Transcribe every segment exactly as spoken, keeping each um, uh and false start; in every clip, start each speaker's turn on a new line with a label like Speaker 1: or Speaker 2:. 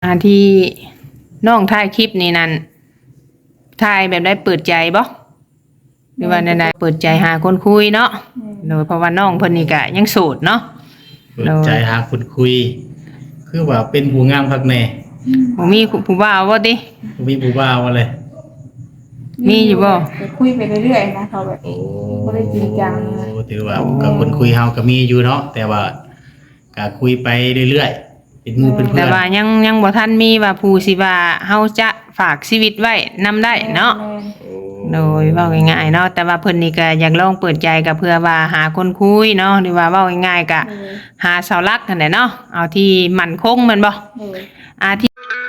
Speaker 1: อ่าที่น้องถ่ายคลิปนี่นั่นถ่ายแบบได้เปิดใจบ่หรือว่าใดๆเปิดใจหาคนคุยเนาะโดยเพราะว่าน้องเพิ่นนี่ก็ยังโสดเนาะ
Speaker 2: เปิดใจหาคนคุยคือว่าเป็นผู้งามคักแน่
Speaker 1: บ่มีผู้บ่าวบ่ติ
Speaker 2: บ่มีผู้บ่าวว่าเลย
Speaker 1: มีอยู่บ่
Speaker 3: ก็คุยไปเรื่อยๆนะเขาแบบ
Speaker 2: โอ้
Speaker 3: บ่ได้จริงจังนะ
Speaker 2: ถือว่าก็คนคุยเฮาก็มีอยู่เนาะแต่ว่าก็คุยไปเรื่อยๆเป็นหมู่เป็นเพื่อน
Speaker 1: แต่ว่ายังยังบ่ทันมีว่าผู้สิว่าเฮาจะฝากชีวิตไว้นำได้เนาะโดยเว้าง่ายๆเนาะแต่ว่าเพิ่นนี่ก็อยากลองเปิดใจก็เพื่อว่าหาคนคุยเนาะหรือว่าเว้าง่ายๆก็หาเสาหลักนั่นแหละเนาะเอาที่มั่นคงแม่นบ่อาที่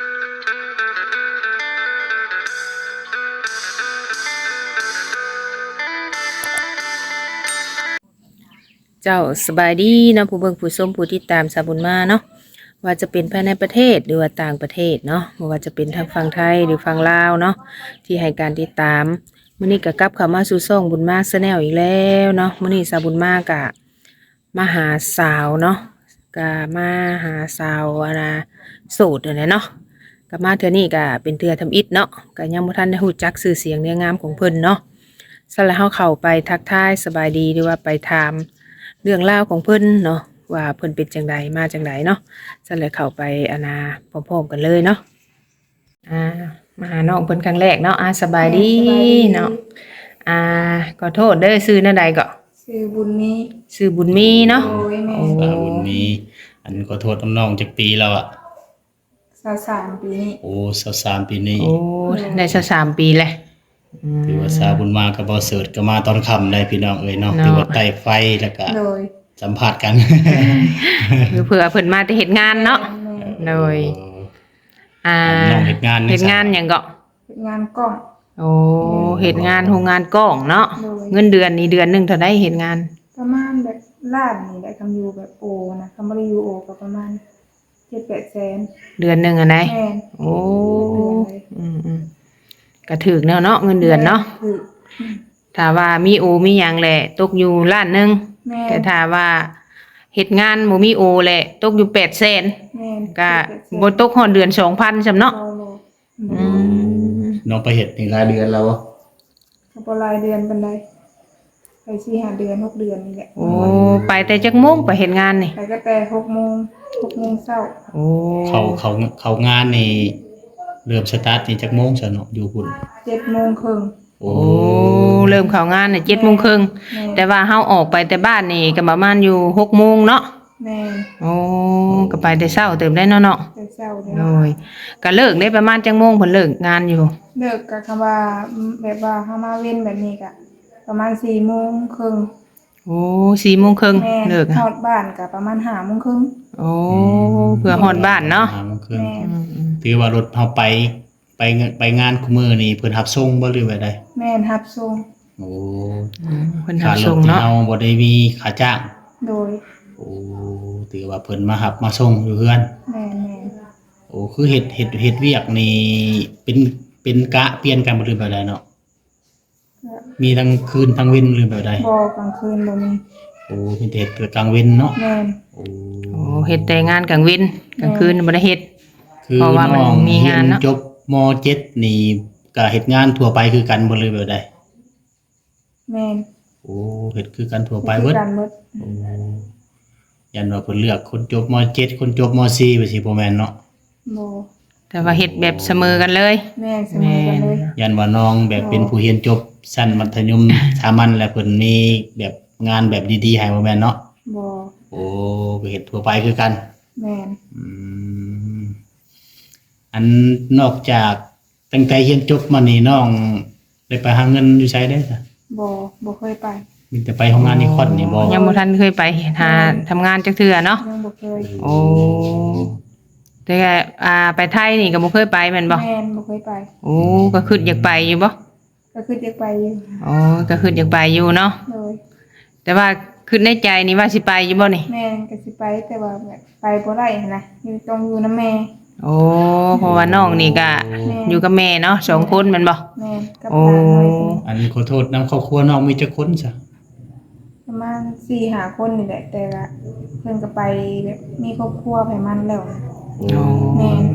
Speaker 1: เจ้าสบายดีเนาะผู้เบิ่งผู้ชมผู้ติดตามสาบุญมาเนาะว่าจะเป็นภายในประเทศหรือว่าต่างประเทศเนาะบ่ว่าจะเป็นทางฝั่งไทยหรือฝั่งลาวเนาะที่ให้การติดตามมื้อนี้ก็กลับเข้ามาสู่ช่องบุญมาแชนแนลอีกแล้วเนาะมื้อนี้สาบุญมาก็มาหาสาวเนาะก็มาหาสาวอะนะโสดนั่นแหละเนาะก็มาเทื่อนี้ก็เป็นเทื่อทำอิฐเนาะก็ยังบ่ทันได้รู้จักชื่อเสียงเรียงงามของเพิ่นเนาะซะแล้วเฮาเข้าไปทักทายสบายดีหรือว่าไปถามเรื่องราวของเพิ่นเนาะว่าเพิ่นเป็นจังใดมาจังใดเนาะซั่นเลยเข้าไปอานาพร้อมๆกันเลยเนาะอ่ามาหาน้องเพิ่นครั้งแรกเนาะอ่าสบายดีเนาะอ่าขอโทษเด้อชื่อนั่นใดก็
Speaker 3: ชื่อบุญมี
Speaker 1: ชื่อบุญมีเนาะ
Speaker 3: โอ้ยแม่
Speaker 2: อ่าบุญมีอันขอโทษน้องๆจักปีแล้วอ่ะ
Speaker 3: สาวสามปีนี้
Speaker 2: โอ้สิบสามปีนี้
Speaker 1: โอ้ได้สักสามปีแหละ
Speaker 2: ถือว่าสาวบุญมาก็บ่เสิร์ชก็มาตอนค่ำได้พี่น้องเอ้ยเนาะถือว่าใต้ไฟแล้วก็
Speaker 3: โดย
Speaker 2: สัมภาษณ์กัน
Speaker 1: คือเผื่อเพิ่นมาแต่เฮ็ดงานเนาะโดยอ่า
Speaker 2: น้องเฮ็ดงาน
Speaker 1: เฮ็ดงานหยังก็
Speaker 3: งานกล้อง
Speaker 1: โอ้เฮ็ดงานโรงงานกล้องเนาะเงินเดือนนี่เดือนนึงเท่าใดเฮ็ดงาน
Speaker 3: ประมาณแบบล้านนี่แหละคำอยู่แบบโอนะคำบ่ได้อยู่โอก็ประมาณ เจ็ดแปด แสน
Speaker 1: เดือนนึงอ่ะไหน
Speaker 3: แม่น
Speaker 1: โอ้อืมๆก็ถูกแนวเนาะเงินเดือนเนาะถ้าว่ามีโอมีหยังแหละตกอยู่ล้านนึงแต่ถ้าว่าเฮ็ดงานบ่มีโอแหละตกอยู่แปดแสน
Speaker 3: แม่น
Speaker 1: ก็บ่ตกฮอดเดือน สองพัน ซำเนาะ
Speaker 3: อื
Speaker 2: มน้องไปเฮ็ดนี่รายเดือนแล้ว
Speaker 3: ก็บ่รายเดือนปานใดไปสี่ ห้าเดือนหกเดือนนี่แหละ
Speaker 1: โอ้ไปแต่จักโมงไปเฮ็ดงานนี่
Speaker 3: ไปก็แต่หกโมงหกโมงเช้า
Speaker 1: โอ้
Speaker 2: เขาเขาเขางานนี่เริ่มสตาร์ทนี่จักโมงซะเนาะอยู่พุ่น
Speaker 3: เจ็ดโมงครึ่ง
Speaker 2: โอ้
Speaker 1: เริ่มเข้างานน่ะ เจ็ดโมงครึ่งแต่ว่าเฮาออกไปแต่บ้านนี่ก็ประมาณอยู่ หกโมงเนาะ
Speaker 3: แม่น
Speaker 1: โอ้ก็ไปแต่เช้าเติมได้เนาะเนาะ
Speaker 3: แต่เช้าเด้
Speaker 1: โอ้ยก็เลิกได้ประมาณจักโมงเพิ่นเลิกงานอยู่
Speaker 3: เลิกก็คำว่าแบบว่าเฮามาเว้นแบบนี้ก็ประมาณสี่โมงครึ่ง
Speaker 1: โอ้สี่โมงครึ่งเลิก
Speaker 3: ฮอดบ้านก็ประมาณห้าโมงครึ่ง
Speaker 1: โอ้เพื่อฮอดบ้านเนาะ
Speaker 2: ห้าโมงครึ่งถือว่ารถเฮาไปไปไปงานคุมื้อนี่เพิ่นรับส่งบ่หรือว่าใด
Speaker 3: แม่นรับส่ง
Speaker 2: โอ้
Speaker 1: เพิ่นรับส่งเนาะ
Speaker 2: เฮาบ่ได้มีค่าจ้าง
Speaker 3: โดย
Speaker 2: โอ้ถือว่าเพิ่นมารับมาส่งอยู่เฮือน
Speaker 3: แม่
Speaker 2: ๆโอ้คือเฮ็ดเฮ็ดเฮ็ดเวียกนี่เป็นเป็นกะเปลี่ยนกันบ่หรือแบบใดเนาะมีทั้งคืนทั้งเว้นหรือแบบใด
Speaker 3: บ่กลางคืนบ่มี
Speaker 2: โอ้มีแต่เฮ็ดแต่กลางเว้นเนาะ
Speaker 3: แม่น
Speaker 1: โอ้โอ้เฮ็ดแต่งานกลางวันกลางคืนบ่ได้เฮ็ด
Speaker 2: เพราะว่ามันมีงานเนาะจบม.เจ็ดนี่ก็เฮ็ดงานทั่วไปคือกันบ่เลยแบบใด
Speaker 3: แม่น
Speaker 2: โอ้เฮ็ดคือกันทั่วไปเบิดโอ้ยันว่าเพิ่นเลือกคนจบม.เจ็ดคนจบม.สี่ว่าสิบ่แม่นเนาะ
Speaker 3: บ่
Speaker 1: แต่ว่าเฮ็ดแบบเสมอกันเลย
Speaker 3: แม่นเสมอกันเลย
Speaker 2: ยันว่าน้องแบบเป็นผู้เรียนจบชั้นมัธยมสามัญแล้วเพิ่นมีแบบงานแบบดีๆให้บ่แม่นเนาะ
Speaker 3: บ่
Speaker 2: โอ้ก็เฮ็ดทั่วไปคือกัน
Speaker 3: แม่น
Speaker 2: อืมอันนอกจากตั้งแต่เรียนจบมานี่น้องได้ไปหาเงินอยู่ไสได้ซะ
Speaker 3: บ่บ่เคยไป
Speaker 2: มีแต่ไปโรงงานนิคอนนี่บ่
Speaker 1: ยังบ่ทันเคยไปหาทำงานจักเทื่อเนาะ
Speaker 3: ยังบ่เคย
Speaker 1: โอ้แต่อ่าไปไทยนี่ก็บ่เคยไปแม่นบ่
Speaker 3: แม่นบ่เคยไป
Speaker 1: โอ้ก็คิดอยากไปอยู่บ่
Speaker 3: ก็คิดอยากไปอยู่
Speaker 1: อ๋อก็คิดอยากไปอยู่เนาะ
Speaker 3: โดย
Speaker 1: แต่ว่าคิดในใจนี่ว่าสิไปอยู่บ่นี่
Speaker 3: แม่นก็สิไปแต่ว่าแบบไปบ่ได้หั่นน่ะอยู่ต้องอยู่นำแม่
Speaker 1: โอ้เพราะว่าน้องนี่ก็อยู่กับแม่เนาะสองคนแม่นบ่
Speaker 3: แม่นกับหลานน้อย
Speaker 2: อันขอโทษนำครอบครัวน้องมีจักคนซะ
Speaker 3: ประมาณ สี่ ห้า คนนี่แหละแต่ว่าเพิ่นก็ไปแบบมีครอบครัวไปมันแล้ว
Speaker 1: โอ้
Speaker 3: แม่น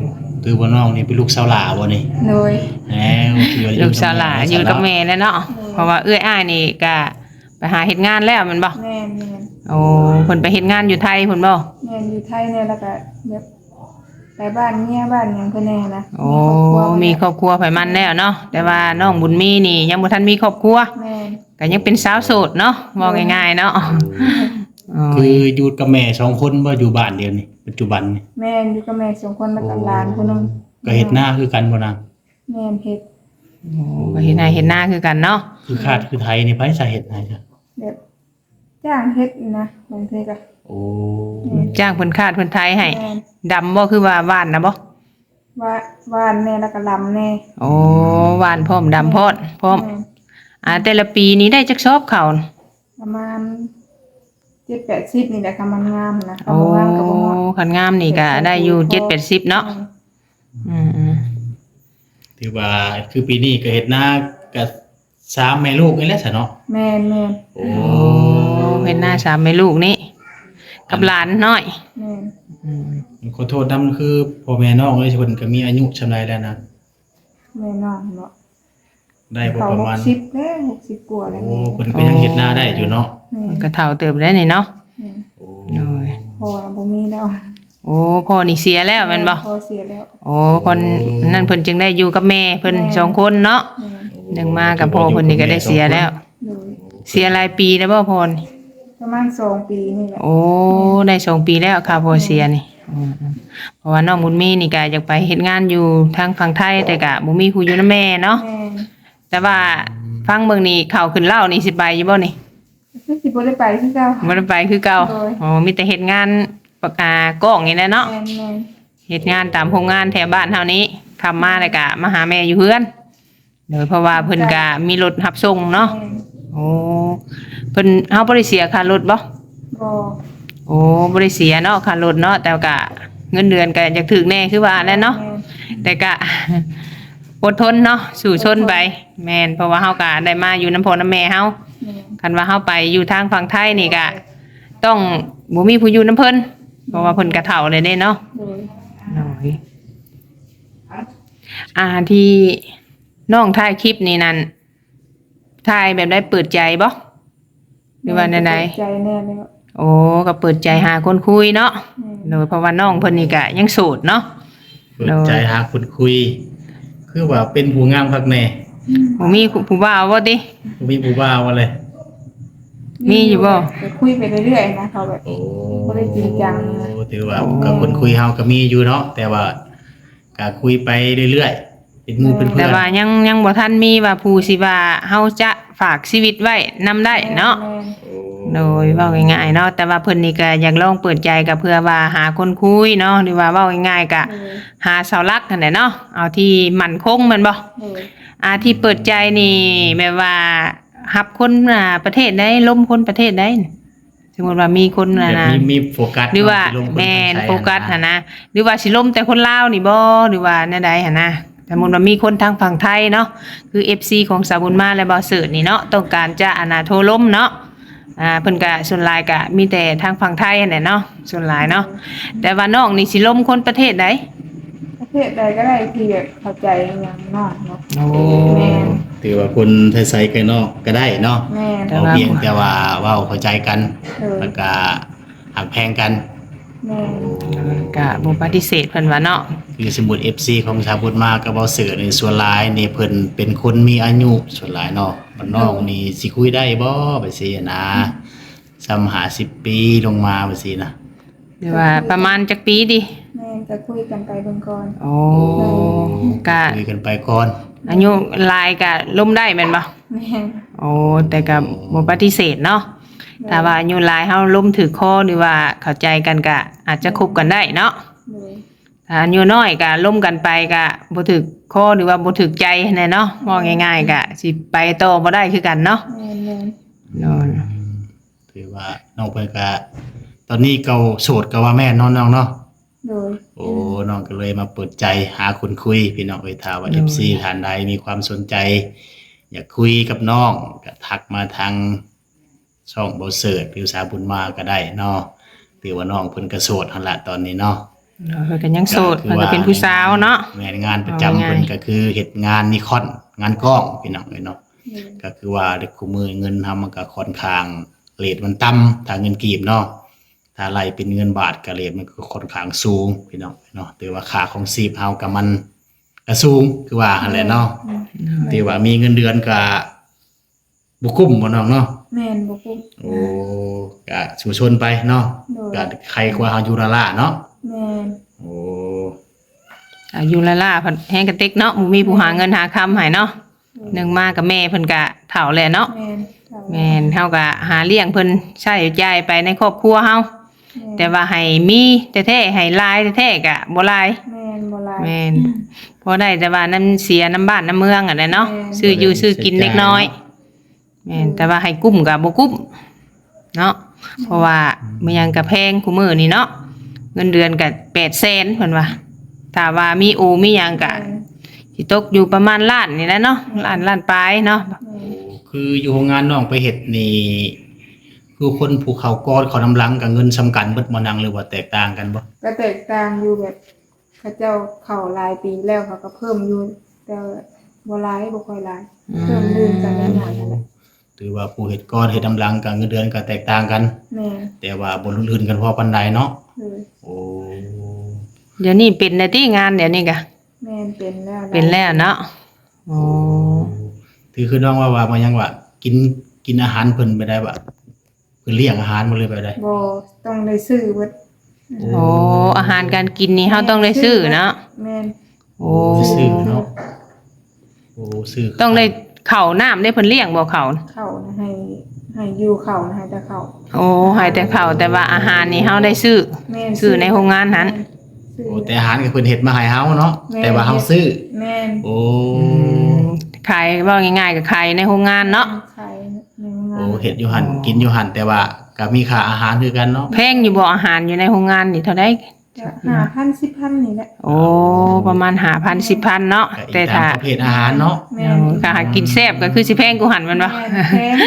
Speaker 2: คือว่าน้องนี่เป็นลูกสาวหลาบ่นี่
Speaker 3: โดย
Speaker 2: แหมคือว่า
Speaker 1: ลูกสาวหลานอยู่กับแม่แล้วเนาะเพราะว่าเอื้อยอ้ายนี่ก็ไปหาเฮ็ดงานแล้วแมันบ่
Speaker 3: แม่นแม่น
Speaker 1: โอ้เพิ่นไปเฮ็ดงานอยู่ไทยเพิ่นบ่
Speaker 3: แม่นอยู่ไทยเนี่ยแล้วก็แบบไปบ้านเมียบ้านหยังเพิ่นแน่นะ
Speaker 1: โอ้
Speaker 3: มี
Speaker 1: มี
Speaker 3: ค
Speaker 1: ค
Speaker 3: ร
Speaker 1: ร
Speaker 3: อ
Speaker 1: อ
Speaker 3: บบ ค
Speaker 1: ค
Speaker 3: รั
Speaker 1: รั
Speaker 3: ว
Speaker 1: วไผมันแล้วเนาะแต่ว่าน้องบุญมีนี่ยังบ่ทันมีครอบครัว
Speaker 3: แม่น
Speaker 1: ก็ยังเป็นสาวโสดเนาะว่าง่ายๆเนาะอ๋อ
Speaker 2: คืออยู่กับแม่สองคนบ่อยู่บ้านเดียวนี่ปัจจุบันนี่
Speaker 3: แม่นอยู่กับแม่สองคนแล้วก็หลานคนนึง
Speaker 2: ก็เฮ็ดหน้าคือกันบ่นาง
Speaker 3: แม่นเฮ็ด
Speaker 1: โอ้ก็เฮ็ดหน้าเฮ็ดหน้าคือกันเนาะ
Speaker 2: คือคาดคือไทยนี่ไผสาเหตุไหนจ้ะ
Speaker 3: แบบจ้างเฮ็ดนะบางทีก็
Speaker 2: โอ้
Speaker 1: จ้างเพิ่นคาดเพิ่นไทยให้
Speaker 3: แม่น
Speaker 1: ดำบ่คือว่าหวานนะบ่
Speaker 3: ว่าว่านแน่แล้วก็ลำแน่
Speaker 1: โอ้หวานพร้อมดำพร้อมพร้อม
Speaker 3: แม่น
Speaker 1: อ่าแต่ละปีนี้ได้จักชอบเขาว
Speaker 3: ประมาณเจ็ดแปดสิบนี่แหละค่ะมันงามนะ
Speaker 1: โอ้
Speaker 3: คำว่างามกับบ่เหมาะ
Speaker 1: คันงามนี่ก็ได้อยู่เจ็ดแปดสิบเนาะอืม
Speaker 2: ถือว่าคือปีนี้ก็เฮ็ดหน้ากับสามแม่ลูกนี่แหละซะเนาะ
Speaker 3: แม่นแม่น
Speaker 2: โอ้
Speaker 1: โอ้เฮ็ดหน้าสามแม่ลูกนี่กับหลานน้อย
Speaker 3: แม่น
Speaker 1: อืม
Speaker 2: ขอโทษนำคือพ่อแม่น้องเอ้ยเพิ่นก็มีอายุชำนาญแล้วนะ
Speaker 3: แม่น้องเนาะ
Speaker 2: ได้บ่
Speaker 3: เขา
Speaker 2: ประ
Speaker 3: ห
Speaker 2: มาก ณ
Speaker 3: สิบแล้วหกสิบกว่าแล้ว
Speaker 2: โอ้
Speaker 3: แม่
Speaker 2: เพิ่นก็ยังเฮ็ดหน้าได้อยู่เนาะ
Speaker 3: แม่น
Speaker 1: ก็เฒ่าเติบได้นี่เนาะ
Speaker 3: แม่น
Speaker 2: โอ้
Speaker 1: โอ้ย
Speaker 3: พอบ่มีแล้ว
Speaker 1: โอ้พ่อนี่เสียแล้วแม่นบ่
Speaker 3: พอเสียแล้ว
Speaker 1: โอ้คนนั่นเพิ่นจึงได้อยู่กับแม่เพิ่น
Speaker 3: แม่
Speaker 1: สองคนเนาะ
Speaker 3: แม่น
Speaker 1: หนึ่งมากับพ่อเพิ่นนี่ก็ได้เสียแล้ว
Speaker 3: โดย
Speaker 1: เสียหลายปีแล้วบ่พ่อนี่
Speaker 3: ประมาณสองปีนี่แหละ
Speaker 1: โอ้ได้สองปีแล้วค่ะพ่อเสียนี่อืมๆเพราะว่าน้องบุญมีนี่ก็อยากไปเฮ็ดงานอยู่ทางฝั่งไทยแต่ก็บ่มีผู้อยู่นำแม่เนาะ
Speaker 3: แม่น
Speaker 1: แต่ว่าฟังเบิ่งนี่ข้าวขึ้นเหล้านี่สิไปอยู่บ่นี่
Speaker 3: คือสิบ่ได้ไปคือเก่า
Speaker 1: บ่ได้ไปคือเก่า
Speaker 3: โดย
Speaker 1: อ๋อมีแต่เฮ็ดงานปากกากล้องนี่แหละเนาะ
Speaker 3: แม่นแม่น
Speaker 1: เฮ็ดงานตามโรงงานแถวบ้านเฮานี้ทำมาแล้วก็มาหาแม่อยู่เฮือนโดยเพราะว่าเพิ่นก็มีรถรับส่งเนาะ
Speaker 3: แม่น
Speaker 1: โอ้เพิ่นเฮาบ่ได้เสียค่ารถบ่
Speaker 3: บ่
Speaker 1: โอ้บ่ได้เสียเนาะค่ารถเนาะแต่ก็เงินเดือนก็อยากถึกแน่คือว่าแหล้วเนาะ
Speaker 3: แม่น
Speaker 1: แต่ก็ อดทนเนาะสู้ชนไปแม่นเพราะว่าเฮาก็ได้มาอยู่น้ำพ่อน้ำแม่เฮา
Speaker 3: แม่น
Speaker 1: คันว่าเฮาไปอยู่ทางฝั่งไทยนี่ก็ต้องบ่มีผู้อยู่น้ำเพิ่นเพราะว่าเพิ่นก็เฒ่าเลยเด้เนาะ
Speaker 3: โดย
Speaker 1: น้อยอ่าที่น้องถ่ายคลิปนี่นั่นถ่ายแบบได้เปิดใจบ่หรือว่าใด
Speaker 3: ใจแน่เลยว่า
Speaker 1: ๆโอ้ก็เปิดใจหาคนคุยเนาะ
Speaker 3: แม่น
Speaker 1: โดยเพราะว่าน้องเพิ่นนี่ก็ยังโสดเนาะ
Speaker 2: เปิดใจหาคนคุย คือว่าเป็นผู้งามคักแน่
Speaker 1: บ่มีผู้บ่าวบ่ติ
Speaker 2: บ่มีผู้บ่าวว่าเลย
Speaker 1: มีอยู่บ่
Speaker 3: ก็คุยไปเรื่อยๆนะเขาแบบ
Speaker 2: โอ้
Speaker 3: บ่ได้จริงจังนะ
Speaker 2: ถือว่าก็คนคุยเฮาก็มีอยู่เนาะแต่ว่าก็คุยไปเรื่อยๆเป็นหมู่เป็นเพื่
Speaker 1: แต่
Speaker 2: อน
Speaker 1: ว่ายังยังบ่ทันมีว่าผู้สิว่าเฮาจะฝากชีวิตไว้นำได้เนาะ
Speaker 3: แม่น
Speaker 1: โดยเว้าง่ายๆเนาะแต่ว่าเพิ่นนี่ก็อยากลองเปิดใจก็เพื่อว่าหาคนคุยเนาะหรือว่าเว้าง่ายๆก็
Speaker 3: โดย
Speaker 1: หาเสาหลักนั่นแหละเนาะเอาที่มั่นคงแม่นบ่
Speaker 3: โดย
Speaker 1: อาที่เปิดใจนี่แบบว่ารับคนอ่าประเทศใดล้มคนประเทศใดน่ะสมมุติว่ามีคน
Speaker 2: แบ
Speaker 1: น่ะ
Speaker 2: บ
Speaker 1: นะ
Speaker 2: มีมีโฟกัส
Speaker 1: หรือว่า
Speaker 2: เนะสิลงคน
Speaker 1: แม่น
Speaker 2: ทางไทย
Speaker 1: โฟกัส
Speaker 2: อะ
Speaker 1: หั่นนะหรือว่าสิล้มแต่คนลาวนี่บ่หรือว่าแนวใดหั่นนะสมมุติว่ามีคนทางฝั่งไทยเนาะคือ เอฟ ซี ของสาวบุญมาและบ่าวเสิร์ชนี่เนาะต้องการจะอานาโทรล้มเนาะอ่าเพิ่นก็ส่วนหลายก็มีแต่ทางฝั่งไทยนั่นแหละเนาะส่วนหลายเนาะแต่ว่าน้องนี่สิล้มคนประเทศใด
Speaker 3: ประเทศใดก็ได้ที่แบบเข้าใจอย่างน้องเนาะ
Speaker 1: โอ้
Speaker 3: แม่น
Speaker 2: ถือว่าคนไทยๆกันเนาะก็ได้เนาะ
Speaker 3: แม่น
Speaker 1: แต่
Speaker 2: เอา
Speaker 1: ว่า
Speaker 2: เพียงแต่ว่าเว้าเข้าใจกัน
Speaker 3: เออ
Speaker 2: แล้วก็หักแพงกัน
Speaker 3: แม่น
Speaker 1: ก็บ่ปฏิเสธเพิ่นว่าเนาะ
Speaker 2: คือสมมุติ เอฟ ซี ของชาวพุทธมาก็บ่เสือในส่วนหลายนี่เพิ่นเป็นคนมีอายุส่วนหลายเนาะบ้านนอกนี่สิคุยได้บ่ไปสินะซ้ำหาสิบปีลงมาไปสินะ
Speaker 1: หรือว่าประมาณจักปีดิ
Speaker 3: แม่นก็คุยกันไปเบิ่งก่อน
Speaker 1: โอ้ก็
Speaker 2: คุยกันไปก่อน
Speaker 1: อายุหลายก็ล้มได้แม่นบ่
Speaker 3: แม่น
Speaker 1: โอ้แต่ก็บ่ปฏิเสธเนาะถ้าว่าอายุหลายเฮาล้มถือคอหรือว่าเข้าใจกันก็อาจจะคบกันได้เนาะ
Speaker 3: โดย
Speaker 1: ถ้าอายุน้อยก็ล้มกันไปก็บ่ถือคอหรือว่าบ่ถือใจแน่เนาะมองง่ายๆก็สิไปต่อบ่ได้คือกันเนาะ
Speaker 3: แม่นแม่น
Speaker 1: เนาะ
Speaker 2: ถือว่าน้องเพิ่นก็ตอนนี้เก่าโสดก็ว่าแม่นเนาะน้องเนาะ
Speaker 3: โดย
Speaker 2: โอ้น้องก็เลยมาเปิดใจหาคนคุยพี่น้องเอ้ยถ้าว่า เอฟ ซี ท่านใดมีความสนใจ อยากคุยกับน้องก็ทักมาทางช่องเบาเสิร์ชหรือสาวบุญมาก็ได้เนาะถือว่าน้องเพิ่นก็โสดหั่นละตอนนี้เนาะ
Speaker 1: เพิ่นก็ยังโสดเพิ่นก็เป็นผู้สาวเนาะ
Speaker 2: แม่นงานประจำ
Speaker 1: เอาง่ายๆ
Speaker 2: เพิ่นก็คือเฮ็ดงานนิคอนงานกล้องพี่น้องเอ้ยเนาะ
Speaker 3: โดย
Speaker 2: ก็คือว่าเด็กคู่มือเงินทำมันก็ค่อนข้างเรทมันต่ำถ้าเงินกีบเนาะถ้าไล่เป็นเงินบาทก็เรทมันก็ค่อนข้างสูงพี่น้องเนาะแต่ว่าค่าของชีพเฮาก็มันก็สูงคือว่าหั่นแหละเนาะแต่ว่ามีเงินเดือนก็บ่คุ้มบ่น้องเนาะ
Speaker 3: แม่นบ่คุ้ม
Speaker 2: โอ้ก็สู่ชนไปเนาะ
Speaker 3: โดย
Speaker 2: ก็ใครกว่าเฮาอยู่ละล่ะเนาะ
Speaker 3: แม่น
Speaker 2: โอ้
Speaker 1: อายุละล่าเพิ่นแฮงกระติกเนาะบ่มีผู้หาเงินหาคำให้เนาะหนึ่งมากับแม่เพิ่นก็เฒ่าแล้วเนาะ
Speaker 3: แม่นเฒ่า
Speaker 1: แม่นเฮาก็หาเลี้ยงเพิ่นใช้จ่ายไปในครอบครัวเฮาแต่ว่าให้มีแท้ๆให้หลายแท้ๆก็บ่หลาย
Speaker 3: แม่นบ่หลาย
Speaker 1: แม่นพอได้แต่ว่าน้ำเสียน้ำบ้านน้ำเมืองอ่ะนะเนาะ
Speaker 3: แม่น
Speaker 1: ซื้ออยู่ซื้อกินเล็กน้อยแม่นแต่ว่าให้กุ้มก็บ่กุ้มเนาะเพราะว่ามันยังก็แพงคุมื้อนี่เนาะเงินเดือนก็แปดแสนเพิ่นว่าถ้าว่ามีโอมีหยังก็
Speaker 3: แม่น
Speaker 1: สิตกอยู่ประมาณล้านนี่แหละเนาะล้านล้านปลายเนาะ
Speaker 3: แม่น
Speaker 2: คืออยู่โรงงานน้องไปเฮ็ดนี่คือคนภูเขากอดเขานำหลังกับเงินสำคัญเบิดบ่นังหรือว่าแตกต่างกันบ่
Speaker 3: ก็แตกต่างอยู่แบบเขาเจ้าเข้าหลายปีแล้วเขาก็เพิ่มอยู่แต่บ่หลายบ่ค่อยหลายเพิ่มลื่นกันอย่างนั้นนั่นแหละ
Speaker 2: ถือว่าผู้เฮ็ดกอดเฮ็ดนำหลังกับเงินเดือนก็แตกต่างกัน
Speaker 3: แม่น
Speaker 2: แต่ว่าบ่ลื่นๆกันพอปานใดเนาะ
Speaker 3: เลย
Speaker 2: โอ้
Speaker 1: เดี๋ยวนี้เป็นได้ที่งานเดี๋ยวนี้ก็
Speaker 3: แม่นเป็นแล้ว
Speaker 1: เป็นแล้วเนาะโอ้
Speaker 2: ถือคือน้องว่าว่ามันยังว่ากินกินอาหารเพิ่นไปได้บ่เพิ่นเลี้ยงอาหารบ่เลยไปได้
Speaker 3: บ่ต้องได้ซื้อเบิด
Speaker 1: โอ้อาหารการกินนี่เฮาต้องได้ซื้อเนาะ
Speaker 3: แม่น
Speaker 1: โอ้
Speaker 2: ซื้อเนาะโอ้ซื้อ
Speaker 1: ต้องได้ข้าวน้ำได้เพิ่นเลี้ยงบ่ข้าว
Speaker 3: เข้านะให้ให้อยู่เข้านะให้แต่เข้า
Speaker 1: โอ้ให้แต่ข้าวแต่ว่าอาหารนี่เฮาได้ซื้อ
Speaker 3: แม่น
Speaker 1: ซื้อในโรงงานนั้น
Speaker 3: ซื้อ
Speaker 2: โอ้แต่อาหารก็เพิ่นเฮ็ดมาให้เฮาเนาะ
Speaker 3: แม่น
Speaker 2: แต่ว่าเฮาซื้อ
Speaker 3: แม่น
Speaker 2: โอ้
Speaker 1: ขายว่าง่ายๆก็ขายในโรงงานเนาะ
Speaker 3: ขายในโรงงาน
Speaker 2: โอ้เฮ็ดอยู่หั่นกินอยู่หั่นแต่ว่าก็มีค่าอาหารคือกันเนาะ
Speaker 1: แพงอยู่บ่อาหารอยู่ในโรงงานนี่เท่าใด
Speaker 3: จะห้าพันสิบพันนี่แหละ
Speaker 1: โอ้ประมาณห้าพัน สิบพันเนาะ
Speaker 2: ก็อีก
Speaker 1: แต่
Speaker 2: ตา
Speaker 1: ถ้าม
Speaker 2: ประเภทอาหารเนาะ
Speaker 3: แม่
Speaker 1: เอน อถ้าหากินแซ่บก็คือสิแพงกูหันแมันบ่
Speaker 3: แม่นแพง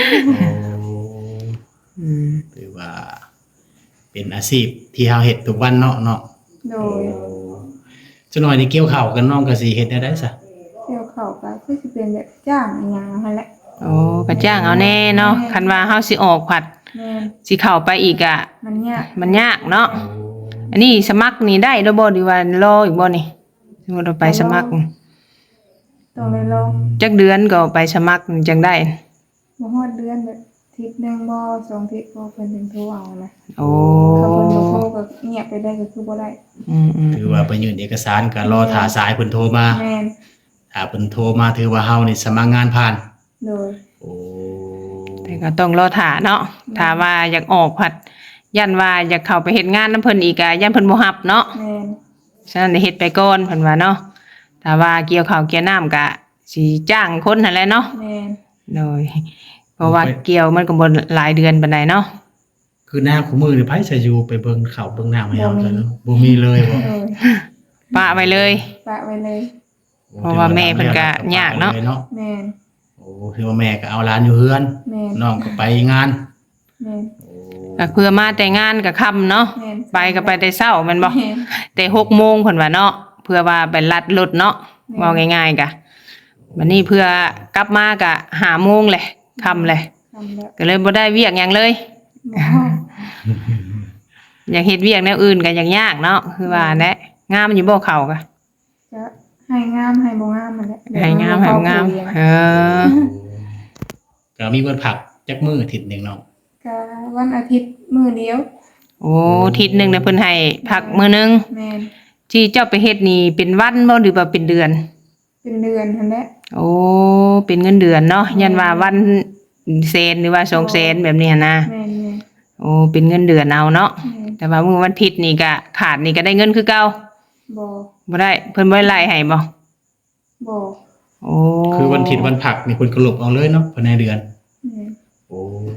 Speaker 1: อืม
Speaker 2: ถือว่า เป็นอาชีพที่เฮาเฮ็ดทุกวันเนาะเนาะ
Speaker 3: โดย
Speaker 2: จักหน่อยนี่เกี่ยวข้าวกันน้องก็สิเฮ็ดได้ได้ซะ
Speaker 3: เที่ยวเข้าก็คือสิเป็นแบบจ้างอีหยังนั่นแหละ
Speaker 1: โอ้ก็จ้างเอาแน่เนาะคันว่าเฮาสิออกผัด
Speaker 3: แม่น
Speaker 1: สิเข้าไปอีกอ่ะ
Speaker 3: มันยาก
Speaker 1: มันยากเนาะอันนี้สมัครนี่ได้แล้วบ่ดีว่ารออีกบ่นี่สมมุติเราไปสมัคร
Speaker 3: ต้องได้ลอง
Speaker 1: จักเดือนก็ไปสมัครจังได้
Speaker 3: บ่ฮอดเดือนแบบทิศหนึงบ่สองทิศบ่เพิ่นถึงโทรเอานะ
Speaker 1: โอ้
Speaker 3: ถ้าเพิ่นบ่โทรก็เงียบไปได้ก็คือบ่ได้
Speaker 1: อืมอืม
Speaker 2: ถือว่าไปยื่นเอกสารก็รอท่าสายเพิ่นโทรมา
Speaker 3: แม่น
Speaker 2: ถ้าเพิ่นโทรมาถือว่าเฮานี่สมัครงานผ่าน
Speaker 3: โดย
Speaker 2: โอ้
Speaker 1: แต่ก็ต้องรอถ่าเนาะถ้าว่าอยากออกผัดยันว่าอยากเข้าไปเฮ็ดงานนำเพิ่นอีกอ่ะยันเพิ่นบ่รับเนาะ
Speaker 3: แม่น
Speaker 1: ฉะนั้นเฮ็ดไปก่อนเพิ่นว่าเนาะถ้าว่าเกี่ยวข้าวเกี่ยวน้ำก็สิจ้างคนนั่นแหละเนาะ
Speaker 3: แม่น
Speaker 1: โดยเพราะว่าเกี่ยวมันก็บ่หลายเดือนปานใดเนาะ
Speaker 2: คือหน้าคู่มือนี่ไผสิอยู่ไปเบิ่งข้าวเบิ่งน้ำให้เฮาซะเนาะบ่มีเลยบ่
Speaker 3: โดย
Speaker 1: ปะไว้เลย
Speaker 3: ปะไว้เลย
Speaker 1: เพราะว่าแม่เพิ่นก็ยากเนาะ
Speaker 3: แม่น
Speaker 2: โอ้ถือว่าแม่ก็เอาหลานอยู่เฮือน
Speaker 3: แม่น
Speaker 2: น้องก็ไปงาน
Speaker 3: แม่น
Speaker 1: ก็เพื่อมาแต่งานก็ค่ำเนาะ
Speaker 3: แม่น
Speaker 1: ไปก็ไปแต่เช้าแม่นบ่
Speaker 3: แม่น
Speaker 1: แต่หกโมงเพิ่นว่าเนาะเพื่อว่าไปลัดรถเนาะ
Speaker 3: แม่น
Speaker 1: เว้าง่ายๆกะวันนี้เพื่อกลับมาก็ห้าโมงแหละค่ำเลย
Speaker 3: ทำแล้ว
Speaker 1: ก็เลยบ่ได้เวียกหยังเลย
Speaker 3: บ่
Speaker 1: อยากเฮ็ดเวียกแนวอื่นก็ยังยากเนาะคือว่าแหละงามอยู่บ่เขาก็
Speaker 3: จะให้งามให้บ่งามมันแหละ
Speaker 1: ให้งามให้บ่งามเออ
Speaker 2: ก็มีวันผักจักมื้ออาทิตย์หนึงเนาะ
Speaker 3: ก็วันอาทิตย์มื้อเดียว
Speaker 1: โอ้อาทิศนึงน่ะเพิ่นให้พักมื้อนึง
Speaker 3: แม่น
Speaker 1: ที่เจ้าไปเฮ็ดนี่เป็นวันบ่หรือว่าเป็นเดือน
Speaker 3: เป็นเดือนหั่นแหละ
Speaker 1: โอ้เป็นเงินเดือนเนาะยันว่าวันเซนหรือว่าสองเซนแบบนี้หั้นนะ
Speaker 3: แม่นแม่น
Speaker 1: โอ้เป็นเงินเดือนเอาเนาะ
Speaker 3: แม่น
Speaker 1: แต่ว่ามื้อวันอาทิตย์นี่ก็ขาดนี่ก็ได้เงินคือเก่า
Speaker 3: บ่
Speaker 1: บ่ได้เพิ่นบ่ได้ไล่ให้บ่
Speaker 3: บ่
Speaker 2: โอ้คือวันอาทิตย์วันผักนี่เพิ่นก็ลบเอาเลยเนาะภายในเดือน
Speaker 3: แม่น
Speaker 2: โอ้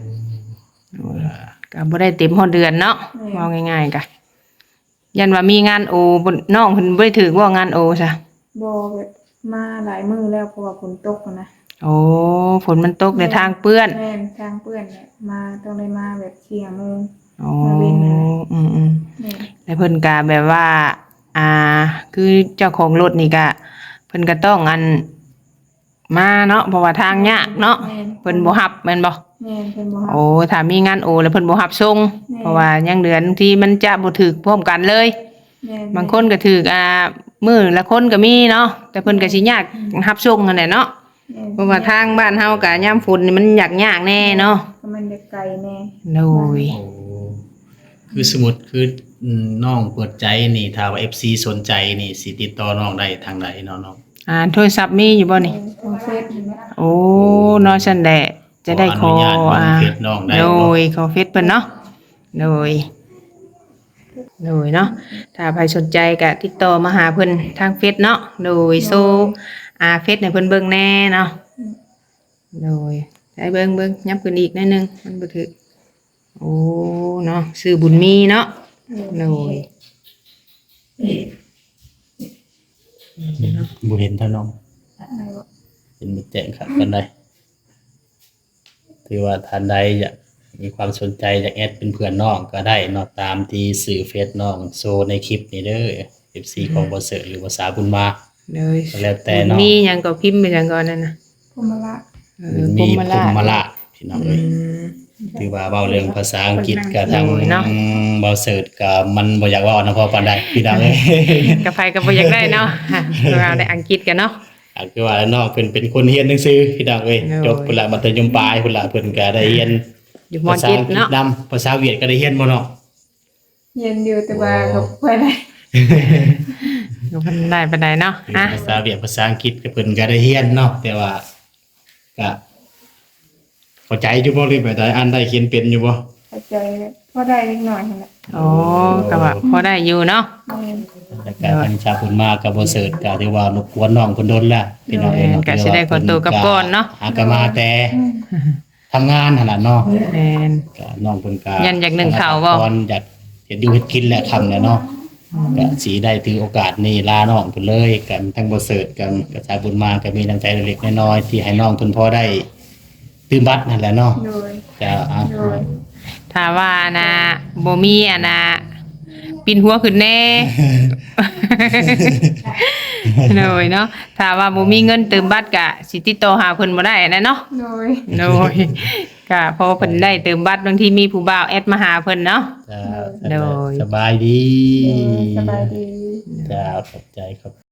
Speaker 1: ก็บ่ได้เต็มฮอดเดือนเนาะ
Speaker 3: แม่น
Speaker 1: ว่าง่ายๆก็ยันว่ามีงานโอบ่น้องเพิ่นบ่ได้ถือว่างานโอซะ
Speaker 3: บ่แบบมาหลายมื้อแล้วเพราะว่าฝนตกอะนะ
Speaker 1: โอ้ฝนมันตกในทางเปื้อน
Speaker 3: แม่นทางเปื้อนเนี่ยมาต้องได้มาแบบเที่ยงโมง
Speaker 1: อ๋อ
Speaker 3: มาเว้นนะ
Speaker 1: อืมอืม
Speaker 3: แม่น
Speaker 1: แล้วเพิ่นก็แบบว่า อ่า คือเจ้าของรถนี่ก็เพิ่นก็ต้องอันมาเนาะเพราะว่าทางยากเนาะเพิ่นบ่รับแม่นบ่
Speaker 3: แม่นเพิ่นบ่รับ
Speaker 1: โอ้ถ้ามีงานโอแล้วเพิ่นบ่รับส่ง
Speaker 3: แม่
Speaker 1: เพราะว่ายังเดือนที่มันจะบ่ถึกพร้อมกันเลย
Speaker 3: แม่น
Speaker 1: บางคนก็ถึกอ่ามื้อละคนก็มีเนาะแต่เพิ่นก็สิยากรับส่งนั่นแหละเนาะ
Speaker 3: แม่น
Speaker 1: เพราะว่าทางบ้านเฮาก็ยามฝนนี่มันยากยากแน่เนาะ
Speaker 3: ก็มันจะไกลแน่
Speaker 1: โดย
Speaker 2: โอ้คือสมมุติคืออืมน้องเปิดใจนี่ถ้าว่า เอฟ ซี สนใจนี่สิติดต่อน้องได้ทางใดเนาะน้อง
Speaker 1: อ่าโทรศัพท์มีอยู่บ่นี่
Speaker 3: ทางเฟซนี่แหละ
Speaker 1: โอ้เนาะซั่นแหละจะได้ขอ
Speaker 2: ขออนุญาตลง
Speaker 1: อ่า
Speaker 2: เฟซน้องได้
Speaker 1: โด
Speaker 2: บ่
Speaker 1: ยขอเฟซเพิ่นเนาะโดยโดยเนาะถ้าใครสนใจก็ติดต่อมาหาเพิ่นทางเฟซเนาะโดยโซอ่าเฟซให้เพิ่นเบิ่งแน่เนาะโดยได้เบิ่งเบิ่งยับขึ้นอีกหนิดนึงมันบ่ถึกโอ้เนาะชื่อบุญมีเนาะโดย
Speaker 2: บ่เห็นท่านน้อง
Speaker 3: อะไรวะ
Speaker 2: เป็นบ่แจ้งครับปานใดถือว่าท่านใดอยากมีความสนใจอยากแอดเป็นเพื่อนน้องก็ได้เนาะตามที่สื่อเฟซน้องโซในคลิปนี้เด้อ เอฟ ซี ของบ่เสิร์ชหรือภาษาบุญมา
Speaker 1: โดย
Speaker 2: ก็แล้วแต่เนาะ
Speaker 1: มีหยังก็พิมพ์ไปหยังก่อนนั่นน่ะ
Speaker 3: พมละ
Speaker 1: เออ
Speaker 2: มี
Speaker 1: พ
Speaker 2: พ
Speaker 1: ร
Speaker 2: ร
Speaker 1: ห
Speaker 2: ห
Speaker 1: ม
Speaker 2: ม
Speaker 1: รา
Speaker 2: ละ
Speaker 1: ช
Speaker 2: พี่น้องเอ้ย
Speaker 1: อืม
Speaker 2: ถือว่าเว้าเรื่องภาษาอังกฤษก็ทาง
Speaker 1: โอ้ยเนาะ
Speaker 2: เบาเสิร์ชก็มันบ่อยากเว้านะพอปานใดพี่น้องเอ้ย
Speaker 1: กับไผก็บ่อยากได้เนาะเราได้อังกฤษกันเนาะ
Speaker 2: อ่ะคือว่าน้องเพิ่นเป็นคนเรียนหนังสือพี่น้องเอ้ย
Speaker 1: โอ้ย
Speaker 2: จบพุ่นละมัธยมปลายพุ่นละเพิ่นก็ได้เรียน
Speaker 1: อยู่ม
Speaker 2: ภาษา
Speaker 1: เจ็ด
Speaker 2: อังกฤษ
Speaker 1: เนาะ
Speaker 2: นำภาษาเวียดก็ได้เรียนบ่เนาะ
Speaker 3: เย็นอยู่แต่ว่าก็บ่ได้
Speaker 1: อยู่เพิ่นได้ปานใดเนาะอ่ะ
Speaker 2: ภาษาเวียดภาษาอังกฤษก็เพิ่นก็ได้เรียนเนาะแต่ว่าก็เข้าใจอยู่บ่หรือแบบใดอ่านได้เขียนเป็นอยู่บ่
Speaker 3: เข้าใจพอได้เล็กน้อยนั่นแหละ
Speaker 1: โอ้ก็ว่าพอได้อยู่เนาะ
Speaker 3: แม่น
Speaker 2: แต่การทางชาวพุ่นมาก็บ่เสิร์ชก็ถือว่ารบกวนน้องเพิ่นโดนแล้วพี่น้องเอ้ยเนาะ
Speaker 1: ก็สิได้ขอตัวกลับก่อนเนาะ
Speaker 2: หาก็มาแต่ทำงานหั่นน่ะเนาะ
Speaker 1: แม่น
Speaker 2: ก็น้องเพิ่นก็
Speaker 1: ยันอยากนึ่งข้าวบ่
Speaker 2: ตอนอยากเฮ็ดอยู่เฮ็ดกินแหละค่ำแล้วเนาะก็สิได้ถือโอกาสนี้ลาน้องเพิ่นเลยกันทั้งบ่เสิร์ชกันกระจายบุญมาก็มีน้ำใจเล็กๆน้อยๆที่ให้น้องเพิ่นพอได้ตื่นบัดนั่นแหละเนาะ
Speaker 3: โดย
Speaker 2: ก็อ่ะ
Speaker 3: โดย
Speaker 1: ถ้าว่านะบ่มีอ่ะนะปินหัวขึ้นแน่ เลยเนาะถ้าว่าบ่มีเงินเติมบัตรก็สิติดต่อหาเพิ่นบ่ได้นะเนาะ
Speaker 3: โดย
Speaker 1: โดยก็เพอเพิ่นได้เติมบัตรบางทีมีผู้บ่าวแอดมาหาเพิ่นเนาะ
Speaker 2: จ้า
Speaker 1: โดย
Speaker 2: สบายดี
Speaker 3: เออสบายดี
Speaker 2: จ้าขอบใจขอบ